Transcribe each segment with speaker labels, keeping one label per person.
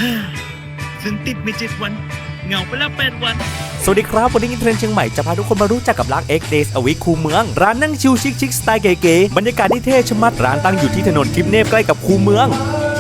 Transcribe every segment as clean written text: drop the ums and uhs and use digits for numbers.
Speaker 1: ฉันติดไป7 วันเหงาไปแล้ว8 วัน
Speaker 2: สวัสดีครับวันนี้อินเทรนด์เชียงใหม่จะพาทุกคนมารู้จักกับร้าน X Days a Week คูเมืองร้านนั่งชิลชิคๆสไตล์เก๋ๆบรรยากาศที่เท่ชะมัดร้านตั้งอยู่ที่ถนนทิพเนบใกล้กับคูเมือง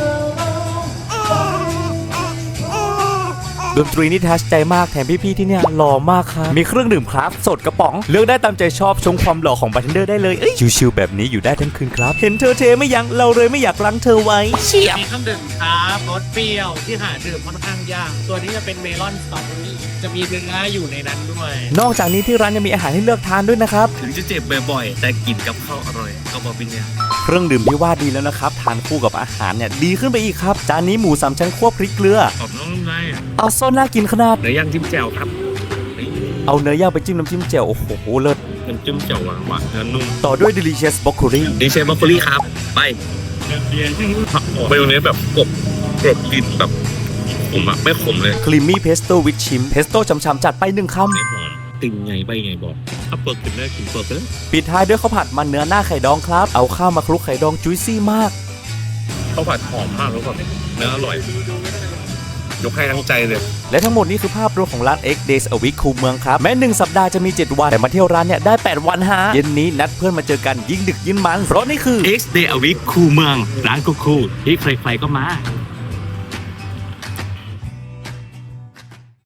Speaker 2: ดนตรีนี่ทัชใจมากแถมพี่ๆที่เนี่ยหล่อมากครับมีเครื่องดื่มคราฟสดกระป๋องเลือกได้ตามใจชอบชมความหล่อของบาร์เทนเดอร์ได้เลยชิลๆแบบนี้อยู่ได้ทั้งคืนครับเห็นเธอเทไม่ยั้งเราเลยไม่อยากรั้งเธอไว้เฉียบ
Speaker 3: มีเครื่องดื่มครับรสเปรี้ยวที่หาดื่มค่อนข้างยากตัวนี้จะเป็นเมลอนสตรอเบอรี่จะมีเนื้ออยู่ในนั้นด้วย
Speaker 2: นอกจากนี้ที่ร้านยังมีอาหารให้เลือกทานด้วยนะครับ
Speaker 1: ถึงจะเจ็บบ่อยๆแต่กินกับข้าวอร่อยก็บอกเป็นเนี่ย
Speaker 2: เครื่องดื่มที่ว่าดีแล้วนะครับทานคู่กับอาหารเนี่ยดีขึ้นไปอีกครับจานนี้หมู3 ชั้นคั่วพริกเกลือ
Speaker 1: ขอบน้องไง
Speaker 2: เอาโซนน่ากินขนาด
Speaker 1: เนื้อย่างจิ้มแจ่วครับ
Speaker 2: เอาเนื้อย่างไปจิ้มน้ำจิ้มแจ่วโอ้โหเลิศ
Speaker 1: น้ำจิ้มแจ่วหวานๆเนื้อนุ่ม
Speaker 2: ต่อด้วย delicious broccoli
Speaker 1: ดีเชฟบรอกโคลี่ครับไปเมนูนี้แบบกรบกลิ่นแบบผมอะไม่ขมเลย
Speaker 2: creamy pesto with chim pesto ฉ่ำๆจัดไป1 คำ
Speaker 1: ไม่หอมติงไงใบไงบอกถ้าเปิดกินได้กินเปิดเลย
Speaker 2: ปิดท้ายด้วยข้าวผัดมันเนื้อหน้าไข่ดองครับเอาข้าวมาคลุกไข่ดองจุยซี่มาก
Speaker 1: ข้าวผัดหอมมากแล้วก็เนื้ออร่อยยกให้ทั้งใจเลย
Speaker 2: และทั้งหมดนี้คือภาพรวมของร้าน X Days a Week คูเมืองครับแม้1 สัปดาห์จะมี7 วันแต่มาเที่ยวร้านเนี่ยได้8 วันฮะเย็นนี้นัดเพื่อนมาเจอกันยิ่งดึกยิ่งมันเพราะนี่คือ
Speaker 1: X Day a Week คูเมืองร้านคูลๆที่ใครๆก็มา